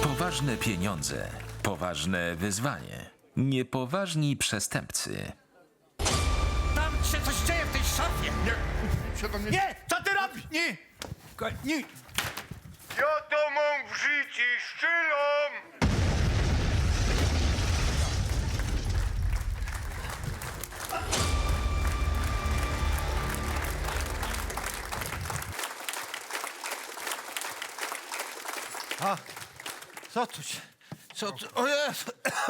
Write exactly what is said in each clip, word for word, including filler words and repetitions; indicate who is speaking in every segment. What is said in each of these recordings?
Speaker 1: Poważne pieniądze, poważne wyzwanie, niepoważni przestępcy.
Speaker 2: Tam się coś dzieje w tej szafie!
Speaker 3: Nie, się do mnie...
Speaker 2: Nie! Co ty robisz?
Speaker 3: Nie!
Speaker 2: Nie!
Speaker 3: Ja to mam w życiu, szczylom!
Speaker 2: A, co tu się... Co tu... O Jezu!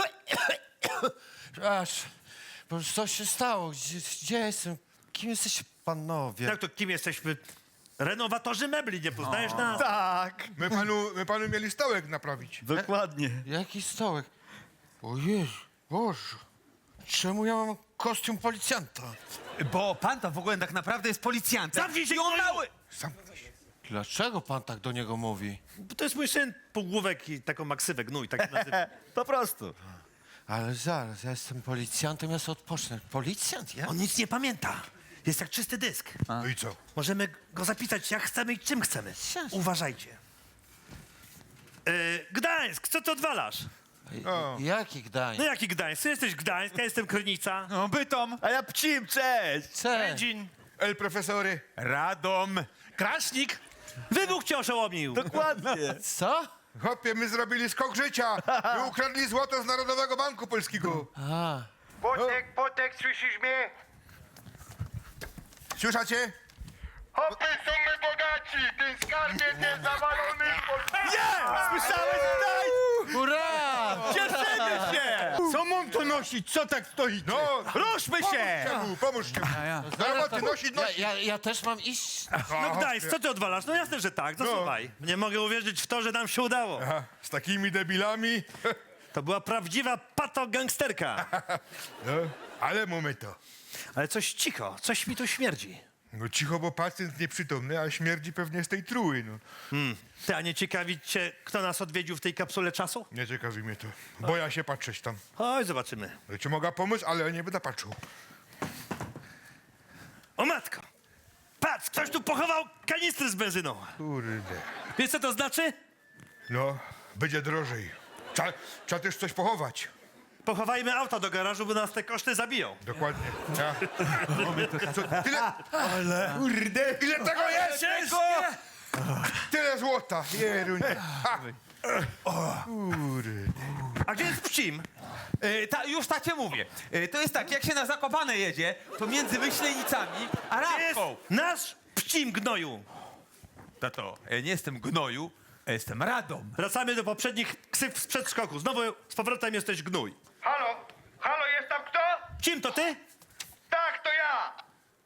Speaker 2: Aż... Bo co się stało? Gdzie, gdzie jestem? Kim jesteście panowie?
Speaker 4: Jak to kim jesteśmy? Renowatorzy mebli, nie poznajesz nas?
Speaker 3: Tak! My panu, my panu mieli stołek naprawić.
Speaker 4: Dokładnie.
Speaker 2: Jaki stołek? O Jezu, Boże. Czemu ja mam kostium policjanta?
Speaker 5: Bo pan to w ogóle tak naprawdę jest policjantem.
Speaker 4: Zamknij się,
Speaker 5: I on
Speaker 4: gnoju!
Speaker 5: mały!
Speaker 3: Sam...
Speaker 2: Dlaczego pan tak do niego mówi?
Speaker 4: Bo to jest mój syn, półgłówek i taką maksywę, gnój, tak się nazywa.
Speaker 5: Po prostu.
Speaker 2: Ale zaraz, ja jestem policjantem, ja sobie odpocznę. Policjant, ja?
Speaker 4: On nic nie pamięta. Jest jak czysty dysk.
Speaker 3: No i co?
Speaker 4: Możemy go zapisać jak chcemy i czym chcemy.
Speaker 2: Jasne.
Speaker 4: Uważajcie. Yy, Gdańsk, co ty odwalasz?
Speaker 3: O.
Speaker 2: Jaki Gdańsk?
Speaker 4: No jaki Gdańsk? Ty jesteś Gdańsk, ja jestem Krynica.
Speaker 5: No, Bytom. A ja Pcim, cześć.
Speaker 2: Cześć.
Speaker 4: Dzień.
Speaker 3: El profesory.
Speaker 5: Radom.
Speaker 4: Kraśnik. Wybuch cię oszołomił.
Speaker 5: Dokładnie.
Speaker 2: Co?
Speaker 3: Chłopie, my zrobili skok życia. My ukradli złoto z Narodowego Banku Polskiego.
Speaker 2: A,
Speaker 3: Potek, potek, słyszysz mnie? Słyszacie? Hopy, są my bogaci! Ten skarbie jest zawalony!
Speaker 5: Słyszałeś, daj!
Speaker 2: hurra!
Speaker 5: Cieszymy się!
Speaker 6: Co mam to nosić? Co tak stoicie?
Speaker 3: No,
Speaker 5: Ruszmy się!
Speaker 3: pomóżcie mu, pomóżcie mu. Do roboty, nosić,
Speaker 2: Ja,
Speaker 3: nosić.
Speaker 2: ja, ja też mam iść.
Speaker 4: No Gdańsk, co ty odwalasz? No jasne, że tak, zasuwaj. Nie mogę uwierzyć w to, że nam się udało.
Speaker 3: Aha, z takimi debilami.
Speaker 4: To była prawdziwa patogangsterka.
Speaker 3: No, ale mamy to.
Speaker 4: Ale coś cicho, coś mi tu śmierdzi.
Speaker 3: No cicho, bo pacjent nieprzytomny, a śmierdzi pewnie z tej truły, no.
Speaker 4: Ty, a nie ciekawi cię, kto nas odwiedził w tej kapsule czasu?
Speaker 3: Nie ciekawi mnie to. Boję się patrzeć tam.
Speaker 4: Oj, zobaczymy.
Speaker 3: Ja ci mogę pomóc, ale nie będę patrzył.
Speaker 4: O matko! Patrz, ktoś tu pochował kanistry z benzyną.
Speaker 3: Kurde.
Speaker 4: Wiesz, co to znaczy?
Speaker 3: No, będzie drożej. Trzeba, trzeba też coś pochować.
Speaker 4: Pochowajmy auto do garażu, bo nas te koszty zabiją.
Speaker 3: Dokładnie. Ja. Co, tyle... Ale... Kurde, ile tego jest?
Speaker 4: Ciężko!
Speaker 3: Tyle złota. Jerunie. Ha. Kurde.
Speaker 4: A gdzie jest Pcim?
Speaker 5: E, ta, już tak cię mówię. E, to jest tak, jak się na Zakopane jedzie, to między Myślenicami a
Speaker 4: Gdzie jest
Speaker 5: Rabką.
Speaker 4: nasz Pcim, gnoju?
Speaker 5: Tato, ja nie jestem gnoju, a jestem Radom.
Speaker 4: Wracamy do poprzednich ksyw z przedszkoku. Znowu z powrotem jesteś gnój.
Speaker 7: Halo? Halo, jest tam kto?
Speaker 4: Pcim, to ty?
Speaker 7: Tak, to ja.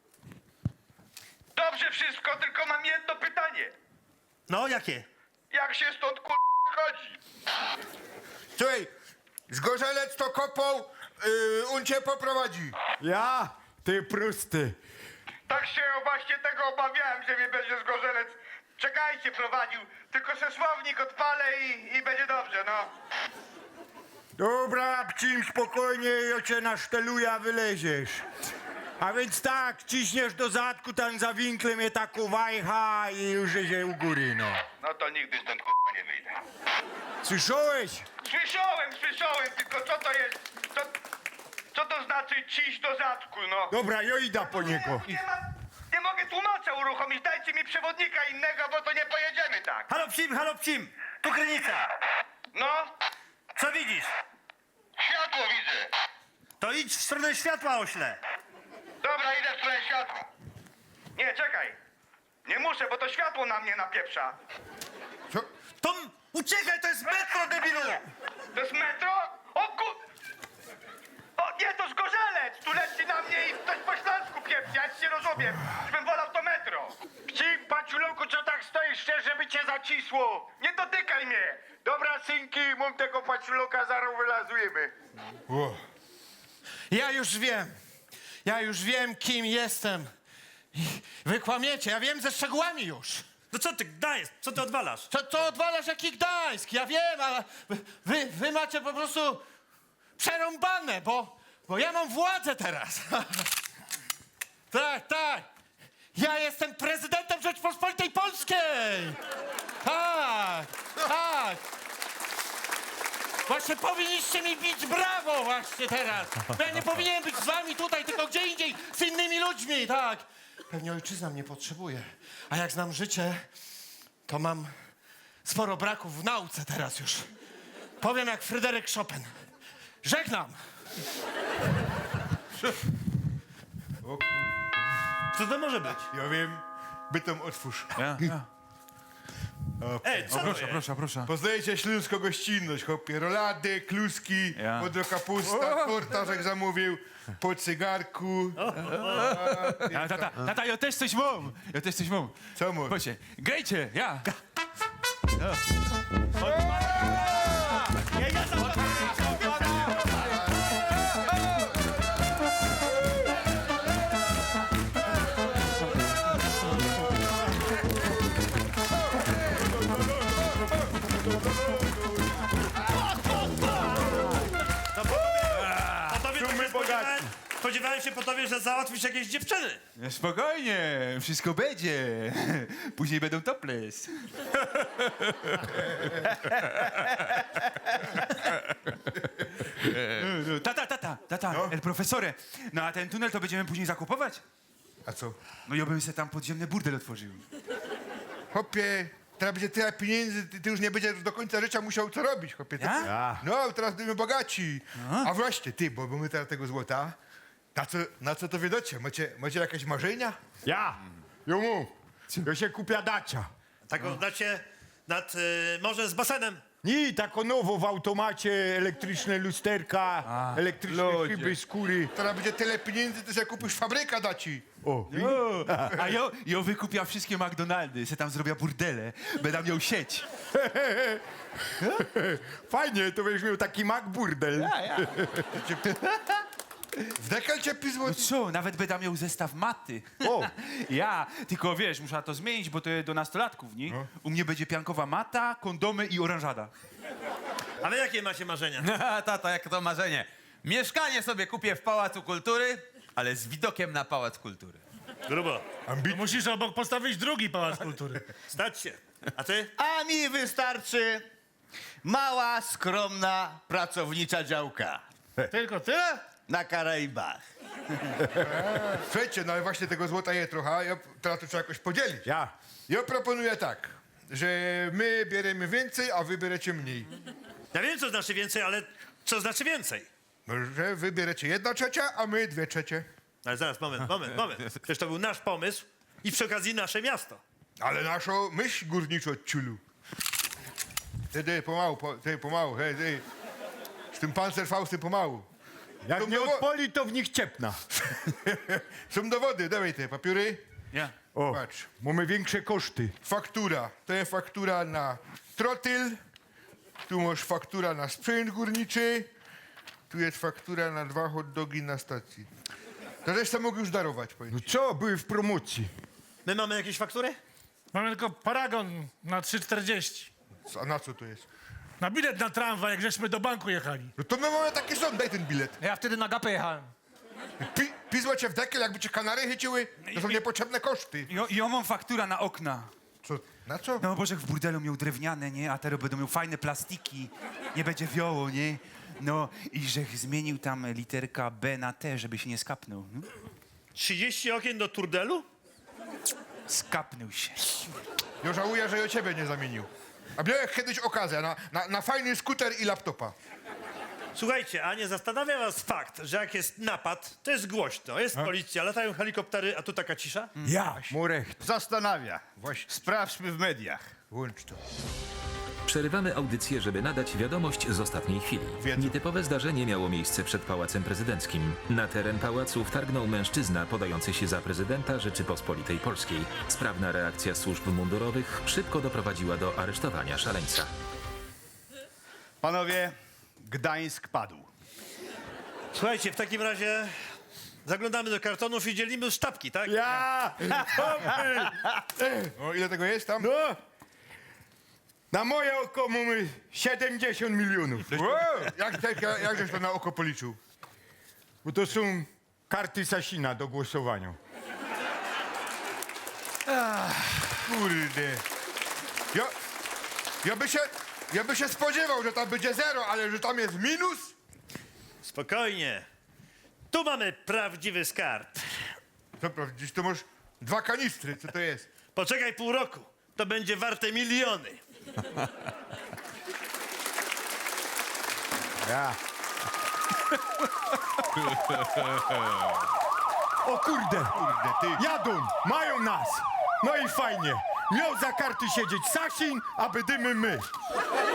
Speaker 7: Dobrze wszystko, tylko mam jedno pytanie.
Speaker 4: No, jakie?
Speaker 7: Jak się stąd kur... chodzi?
Speaker 3: Słuchaj, Zgorzelec to kopał, yy, on cię poprowadzi.
Speaker 6: Ja? Ty prosty.
Speaker 7: Tak się właśnie tego obawiałem, że mnie będzie zgorzelec. Czekajcie, prowadził. Tylko se słownik odpalę i, i będzie dobrze, no.
Speaker 6: Dobra, Pcim, spokojnie, ja cię naszteluję, a wyleziesz. A więc tak, ciśniesz do zadku, tam za winklem je tak uwajcha i już się u góry, no.
Speaker 7: No to nigdy stąd kur... nie wyjdę.
Speaker 6: Słyszałeś?
Speaker 7: Słyszałem, słyszałem, tylko co to jest? Co, co to znaczy ciś do zadku, no?
Speaker 6: Dobra, ja idę po niego.
Speaker 7: Nie, ma, nie mogę tłumacza uruchomić, dajcie mi przewodnika innego, bo to nie pojedziemy tak.
Speaker 4: Halo Pcim, halo Pcim! Tu Krynica.
Speaker 7: No,
Speaker 4: Co widzisz?
Speaker 7: światło widzę.
Speaker 4: To idź w stronę światła, ośle.
Speaker 7: Dobra, idę w stronę światła. Nie, czekaj. Nie muszę, bo to światło na mnie napieprza.
Speaker 3: Co?
Speaker 4: To uciekaj, to jest metro, debilu!
Speaker 7: To jest metro? O ku... O nie, to zgorzelec! Tu leci na mnie i ktoś po śląsku pieprzy, ja się rozumiem. Już bym wolał to metro. Ci, paciulełku, co tak stoisz, chcesz, żeby cię zacisło? Nie dotykaj mnie! Dobra, synki, mam tego paciuloka, zaraz wylazujemy.
Speaker 3: O.
Speaker 2: Ja już wiem. Ja już wiem, kim jestem. I wy kłamiecie, ja wiem ze szczegółami już.
Speaker 4: No co ty, Gdańsk, co ty odwalasz?
Speaker 2: Co, co odwalasz jaki Gdańsk? Ja wiem, ale wy, wy macie po prostu przerąbane, bo, bo ja mam władzę teraz. Tak, tak. Ja jestem prezydentem Rzeczpospolitej Polskiej. Tak, tak. Właśnie powinniście mi bić brawo właśnie teraz. Bo ja nie powinienem być z wami tutaj, tylko gdzie indziej, z innymi ludźmi, tak. Pewnie ojczyzna mnie potrzebuje. A jak znam życie, to mam sporo braków w nauce teraz już. Powiem jak Fryderyk Chopin. Żegnam.
Speaker 4: Co to może być?
Speaker 3: Ja wiem, bytom otwórz.
Speaker 5: Ja, ja.
Speaker 4: Ej, co to
Speaker 5: Proszę,
Speaker 4: jest?
Speaker 5: proszę, proszę.
Speaker 3: Poznajecie śląską gościnność, chłopie. Rolady, kluski,
Speaker 5: Ja.
Speaker 3: modro kapusta, tortażek zamówił, po cygarku.
Speaker 5: Ja, tata, tata, ja też coś mam. Ja też coś mam.
Speaker 3: Co mu?
Speaker 5: Proszę, grejcie, ja.
Speaker 4: A tobie tak się spodziewałem, spodziewałem się po tobie, że załatwisz jakieś dziewczyny.
Speaker 5: No, spokojnie, wszystko będzie. Później będą topless. No, no, Tata, tata, tata, el profesore. No a ten tunel to będziemy później zakupować?
Speaker 3: A co?
Speaker 5: No ja bym se tam podziemny burdel otworzył.
Speaker 3: Chłopie, teraz będzie tyle pieniędzy, ty, ty już nie będziesz do końca życia musiał co robić, chłopie. Ty,
Speaker 5: Ja?
Speaker 3: No, teraz będziemy bogaci. A właśnie, ty, bo, bo my teraz tego złota, na co, na co to wiedocie? Macie, macie jakieś marzenia?
Speaker 6: Ja. Jomu. Ja się kupia dacia.
Speaker 4: Taką dacie nad y, morze z basenem.
Speaker 6: Nie, tako nowo w automacie, elektryczne lusterka, elektryczne
Speaker 5: ludzie.
Speaker 6: szyby, skóry.
Speaker 3: Teraz będzie tyle pieniędzy, ty sobie kupisz fabryka daci.
Speaker 6: O,
Speaker 5: A ja, ja wykupia wszystkie McDonaldy, se tam zrobię burdele, będę miał sieć.
Speaker 6: fajnie, to będziesz miał taki Mac burdel.
Speaker 3: W dekel cię pizło.
Speaker 5: No co, nawet będę miał zestaw maty.
Speaker 6: O.
Speaker 5: Ja, tylko wiesz, muszę to zmienić, bo to jest do nastolatków, nie? U mnie będzie piankowa mata, kondomy i oranżada.
Speaker 4: A wy jakie macie marzenia?
Speaker 8: Tata, jak to marzenie. Mieszkanie sobie kupię w Pałacu Kultury, ale z widokiem na Pałac Kultury.
Speaker 4: Grubo.
Speaker 9: Musisz obok postawić drugi Pałac Kultury.
Speaker 4: Stać się. A ty?
Speaker 10: A mi wystarczy mała, skromna, pracownicza działka
Speaker 9: Tylko tyle?
Speaker 10: na Karaibach.
Speaker 3: Słuchajcie, no ale właśnie tego złota je trochę, a ja, teraz to trzeba jakoś podzielić.
Speaker 6: Ja.
Speaker 3: Ja proponuję tak, że my bierzemy więcej, a wy bierzecie mniej.
Speaker 4: Ja wiem, co znaczy więcej, ale co znaczy więcej?
Speaker 3: No, że wy bierzecie jedna trzecia, a my dwie trzecie.
Speaker 4: Ale zaraz, moment, moment, moment. Przecież to był nasz pomysł i przy okazji nasze miasto.
Speaker 3: Ale naszą myśl górniczą od ciulu. Ty, ty, pomału, po, ty, pomału, hej, ty. Z tym Panzerfaustem pomału.
Speaker 6: Jak
Speaker 3: To
Speaker 6: nie
Speaker 3: było-
Speaker 6: odpoli, to w nich ciepna.
Speaker 3: Są dowody, dawaj te papiery.
Speaker 5: Ja.
Speaker 6: O,
Speaker 3: Patrz,
Speaker 6: mamy większe koszty.
Speaker 3: faktura. To jest faktura na trotyl. Tu masz faktura na sprzęt górniczy. Tu jest faktura na dwa hot dogi na stacji. To resztę mogę już darować, powiem.
Speaker 6: No co, były w promocji.
Speaker 4: My mamy jakieś faktury?
Speaker 9: Mamy tylko paragon na trzy czterdzieści.
Speaker 3: A na co to jest?
Speaker 9: Na bilet na tramwaj, jak żeśmy do banku jechali.
Speaker 3: No to my mamy taki sąd, daj ten bilet.
Speaker 9: Ja wtedy na gapę jechałem.
Speaker 3: Pi, pizło cię w dekiel, jakby cię kanary chyciły. To są niepotrzebne koszty.
Speaker 5: Ja, ja mam faktura na okna.
Speaker 3: Co? Na co?
Speaker 5: No bo że w burdelu miał drewniane, nie? A teraz będą miał fajne plastiki. Nie będzie wioło, nie? No i że zmienił tam literka B na T, żeby się nie skapnął. No?
Speaker 4: trzydzieści okien do turdelu?
Speaker 5: Skapnął się.
Speaker 3: Ja żałuję, że ja ciebie nie zamienił. A miałem kiedyś okazję na, na, na fajny skuter i laptopa.
Speaker 4: Słuchajcie, a nie zastanawia was fakt, że jak jest napad, to jest głośno, jest policja, latają helikoptery, a tu taka cisza?
Speaker 6: Ja. Murecht.
Speaker 10: Zastanawia. Sprawdźmy w mediach.
Speaker 3: Włącz to.
Speaker 1: Przerywamy audycję, żeby nadać wiadomość z ostatniej chwili.
Speaker 3: Wiedzą.
Speaker 1: Nietypowe zdarzenie miało miejsce przed Pałacem Prezydenckim. Na teren pałacu wtargnął mężczyzna podający się za prezydenta Rzeczypospolitej Polskiej. Sprawna reakcja służb mundurowych szybko doprowadziła do aresztowania szaleńca.
Speaker 10: Panowie, Gdańsk padł.
Speaker 4: Słuchajcie, w takim razie zaglądamy do kartonów i dzielimy sztabki, tak?
Speaker 6: Ja.
Speaker 3: O, ile tego jest tam?
Speaker 6: No. Na moje oko mamy siedemdziesiąt milionów.
Speaker 3: Wow, jak, jak, jak żeś to na oko policzył?
Speaker 6: Bo to są karty Sasina do głosowania.
Speaker 3: Kurde. Ja, ja by się, Ja by się spodziewał, że tam będzie zero, ale że tam jest minus?
Speaker 4: Spokojnie. Tu mamy prawdziwy skarb.
Speaker 3: Co prawda, to masz dwa kanistry, co to jest?
Speaker 4: Poczekaj pół roku. To będzie warte miliony.
Speaker 6: Ja. O kurde,
Speaker 3: Kurde, ty.
Speaker 6: jadą, mają nas. No i fajnie. Miał za karty siedzieć Sasin, a bydymy my.